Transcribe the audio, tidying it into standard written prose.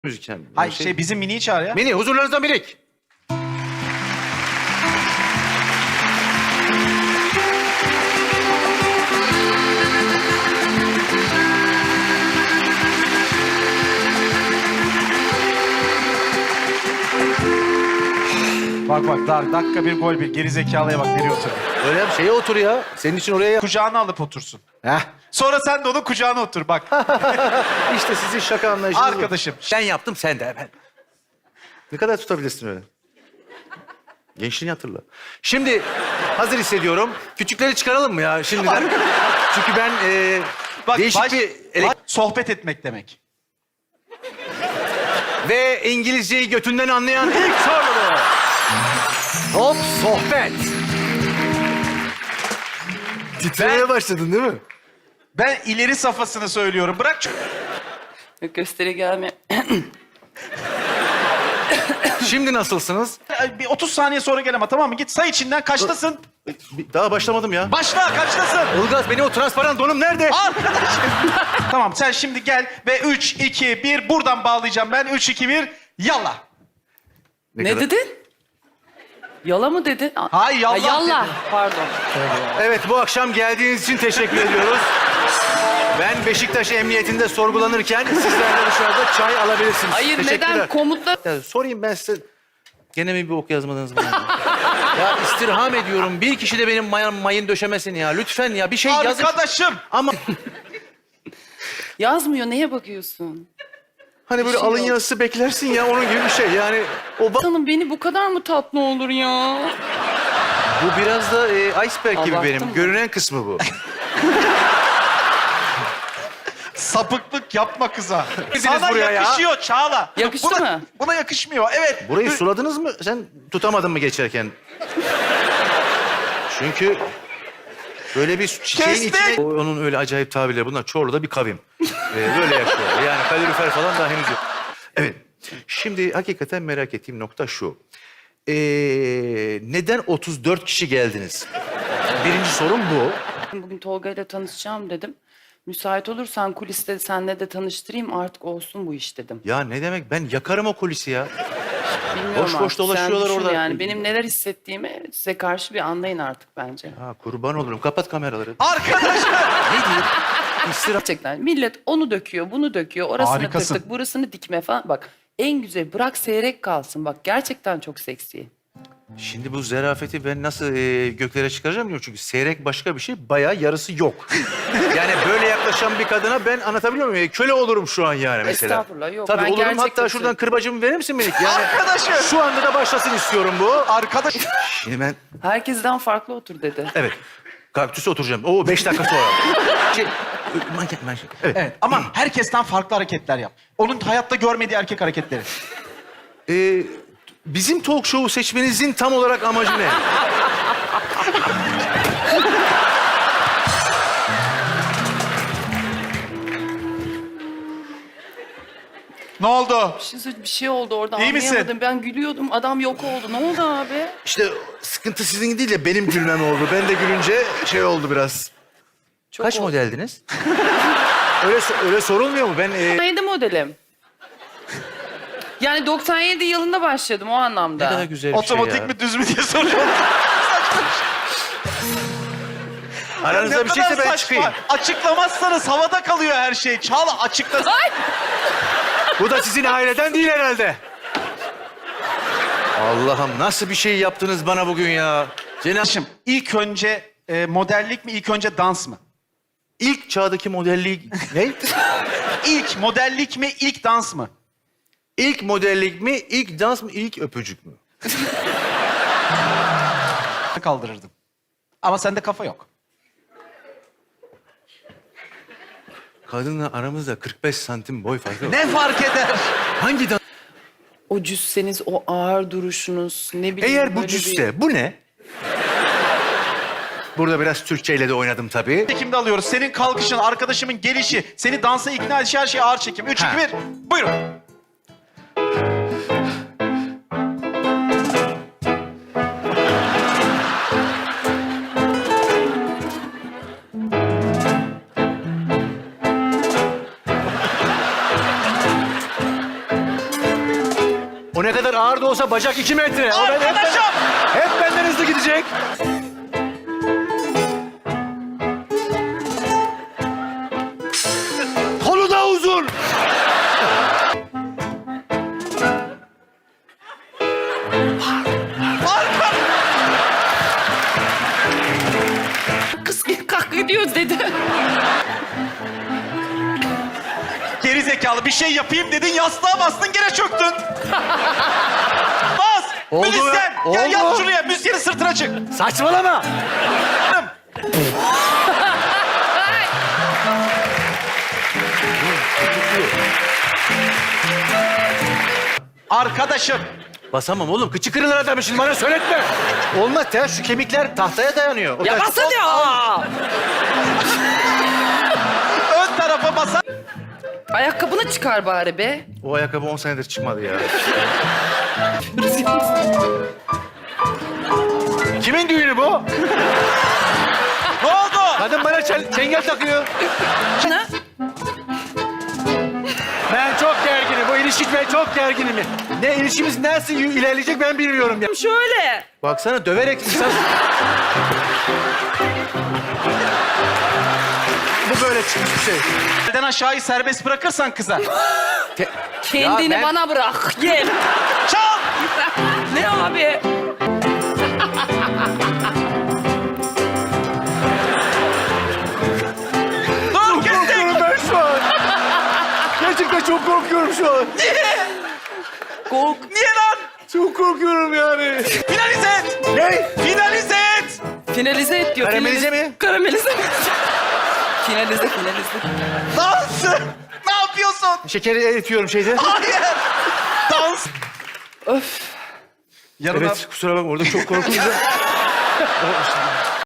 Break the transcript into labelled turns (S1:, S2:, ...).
S1: müzikten.
S2: Hayır bizim Mini'yi çağır ya.
S1: Mini huzurlarınızda Minik.
S2: Bak dakika bir gol bir. Geri zekalıya bak nereye oturuyor.
S1: Öyle bir şeye otur ya. Senin için oraya yap.
S2: Kucağına alıp otursun.
S1: Heh.
S2: Sonra sen de onun kucağına otur bak.
S1: İşte sizin şaka anlayışınız bu.
S2: Arkadaşım.
S1: Ben yaptım sen de hemen. Ne kadar tutabilirsin öyle? Gençliğini hatırla. Şimdi hazır hissediyorum. Küçükleri çıkaralım mı ya şimdiden? Çünkü ben
S2: Bak,
S1: değişik bir...
S2: sohbet etmek demek.
S1: Ve İngilizceyi götünden anlayan ilk soru. Hop sohbet. Titremeye başladın değil mi?
S2: Ben ileri safhasını söylüyorum. Bırak
S3: Gösteri gelme.
S1: Şimdi nasılsınız?
S2: bir 30 saniye sonra gel ama tamam mı? Git say içinden kaçtasın?
S1: Daha başlamadım ya.
S2: Başla kaçtasın?
S1: Ilgaz benim o transparan donum nerede?
S2: Arkadaşım. Tamam sen şimdi gel ve 3, 2, 1 buradan bağlayacağım ben. 3, 2, 1 yallah.
S3: Ne
S1: kadar-
S3: dedin? Yala mı dedin?
S2: Hayır, yallah
S3: yallah.
S2: dedim.
S3: Pardon.
S1: Evet bu akşam geldiğiniz için teşekkür ediyoruz. Ben Beşiktaş Emniyetinde sorgulanırken sizler de dışarıda çay alabilirsiniz.
S3: Hayır
S1: Teşekkürler.
S3: neden komutlar...
S1: Ya, sorayım ben size. Gene mi bir ok yazmadınız bana? Ya istirham ediyorum. Bir kişi de benim mayın döşemesin ya. Lütfen ya bir şey yazın.
S2: Arkadaşım.
S1: Ama
S3: Yazmıyor, neye bakıyorsun?
S1: hani böyle
S3: şey
S1: alın
S3: yok.
S1: yazısı beklersin ya onun gibi bir şey. Yani o
S3: Hanım beni bu kadar mı tatlı olur ya?
S1: bu biraz da iceberg gibi
S3: Abarttın
S1: benim.
S3: mı?
S1: Görünen kısmı bu.
S2: Sapıklık yapma kıza.
S1: Gidiniz
S2: Sana
S1: buraya ya.
S2: yakışıyor Çağla.
S3: Yakıştı mı?
S2: Buna yakışmıyor. Evet.
S1: Burayı suladınız mı? Sen tutamadın mı geçerken? Çünkü böyle bir çiçeğin
S2: Kestik.
S1: içine... Onun öyle acayip tabirleri bunlar. Çorlu'da bir kavim. Böyle yaşıyor. Yani kalorifer falan daha henüz yok. Evet. Şimdi hakikaten merak ettiğim nokta şu. Neden 34 kişi geldiniz? Birinci sorum bu.
S3: Bugün Tolga ile tanışacağım dedim. Müsait olursan kuliste senle de tanıştırayım artık olsun bu iş dedim.
S1: Ya ne demek? Ben yakarım o kulisi ya.
S3: Bilmiyorum
S1: Boş boş
S3: artık, sen
S1: dolaşıyorlar
S3: düşün
S1: orada.
S3: Yani benim neler hissettiğimi size karşı bir anlayın artık bence.
S1: Ha, kurban olurum. Kapat kameraları.
S2: Arkadaşım.
S1: Ne diyeyim? İstirham.
S3: Gerçekten millet onu döküyor, bunu döküyor, orasını
S2: Harikasın.
S3: tırtık, burasını dikme falan. Bak en güzel bırak seyrek kalsın. Bak gerçekten çok seksi.
S1: Şimdi bu zerafeti ben nasıl göklere çıkaracağım bilmiyorum. Çünkü seyrek başka bir şey, bayağı yarısı yok. Yani böyle yaklaşan bir kadına ben anlatabiliyor muyum? Köle olurum şu an yani mesela.
S3: Estağfurullah, yok.
S1: Tabii
S3: Ben
S1: olurum.
S3: gerçekten
S1: Hatta şuradan
S3: söylüyorum.
S1: kırbacımı verir misin Melik? Yani
S2: Arkadaşım.
S1: şu anda da başlasın istiyorum bu.
S2: Arkadaş.
S1: Şimdi ben,
S3: Herkesten farklı otur dedi.
S1: evet. Kaktüse oturacağım. Oo 5 dakika sonra. Şey, manken. Evet.
S2: Evet ama herkesten farklı hareketler yap. Onun hayatta görmediği erkek hareketleri.
S1: Bizim talk show'u seçmenizin tam olarak amacı ne?
S2: Ne oldu?
S3: Bir şey oldu orada
S2: İyi misin?
S3: anlayamadım. Ben gülüyordum adam yok oldu. Ne oldu abi?
S1: İşte sıkıntı sizin değil de benim gülmem oldu. Ben de gülünce şey oldu biraz.
S3: Çok
S1: Kaç
S3: oldu.
S1: modeldiniz? öyle sorulmuyor mu? Ben
S3: 97 modelim. Yani 97 yılında başladım o anlamda.
S1: ne kadar güzel bir
S2: Otomatik
S1: şey ya.
S2: mi düz mü diye soruyorum.
S1: Aranızda
S2: Ne
S1: bir şeyse
S2: kadar
S1: ben
S2: saçma.
S1: çıkayım.
S2: Açıklamazsanız havada kalıyor her şey. Çağla açıkla.
S3: Ay!
S1: Bu da sizin aileden değil herhalde. Allah'ım nasıl bir şey yaptınız bana bugün ya?
S2: Cenab'cığım ilk önce modellik mi ilk önce dans mı?
S1: İlk çağdaki modellik... Ne?
S2: İlk modellik mi ilk dans mı?
S1: İlk modellik mi, ilk dans mı, ilk öpücük mü?
S2: Kaldırırdım. Ama sende kafa yok.
S1: Kadınla aramızda 45 santim boy farkı var.
S2: Ne fark eder?
S1: Hangi dans?
S3: O cüsseniz, o ağır duruşunuz, ne bileyim
S1: Eğer bu
S3: böyle
S1: cüsse, bu ne? Burada biraz Türkçeyle de oynadım tabii.
S2: Çekimde alıyoruz. Senin kalkışın, arkadaşımın gelişi, seni dansa ikna edişi her şey ağır çekim. 3, 2, 1. Buyurun.
S1: O ne kadar ağır da olsa bacak 2 metre. O
S2: Arkadaşım!
S1: hep benden hızlı gidecek. Kolu da uzun.
S2: Arka!
S3: Kız kalk gidiyoruz dedi.
S2: Geri zekalı bir şey yapayım dedin, yastığa bastın, gene çöktün. Bas!
S1: Oldu
S2: Müzisyen!
S1: ya,
S2: Gel yat
S1: oldu.
S2: şuraya, müzisyenin sırtına çık.
S1: Saçmalama.
S2: Hanım. Arkadaşım,
S1: Basamam oğlum. Kıçı kırılır adamı şimdi bana söyletme. Olmaz. Ters şu kemikler tahtaya dayanıyor. O
S3: Ya
S1: ters-
S3: basın ya.
S2: ön tarafa basar.
S3: Ayakkabını çıkar bari be.
S1: O ayakkabı 10 senedir çıkmadı ya. Kimin düğünü bu?
S2: Ne oldu?
S1: Kadın bana çengel takıyor.
S3: Ne?
S1: Ben çok gerginim. Bu ilişki ben çok gerginim. Ne ilişkimiz nasıl ilerleyecek ben bilmiyorum ya.
S3: Şöyle.
S1: Baksana döverek insan... Bu böyle çıkmış bir şey.
S2: Elden aşağıyı serbest bırakırsan kıza.
S3: Kendini
S1: Ya ben-
S3: bana bırak. Gel.
S2: Çal!
S3: Ne abi?
S2: Dur kestik!
S1: Korkuyorum ben şu an. Gerçekten çok korkuyorum şu an.
S3: Kork.
S2: Niye lan?
S1: Çok korkuyorum yani.
S2: Finalize et!
S1: Ne?
S2: Finalize et!
S3: Finalize et diyor.
S1: Karamelize mi?
S3: Karamelize mi? Finalize.
S2: Dans! Ne yapıyorsun?
S1: Şekeri eritiyorum şeyde.
S2: Hayır! Dans!
S3: Öf.
S2: Yanına
S1: Evet kusura bakma orada çok korkunca.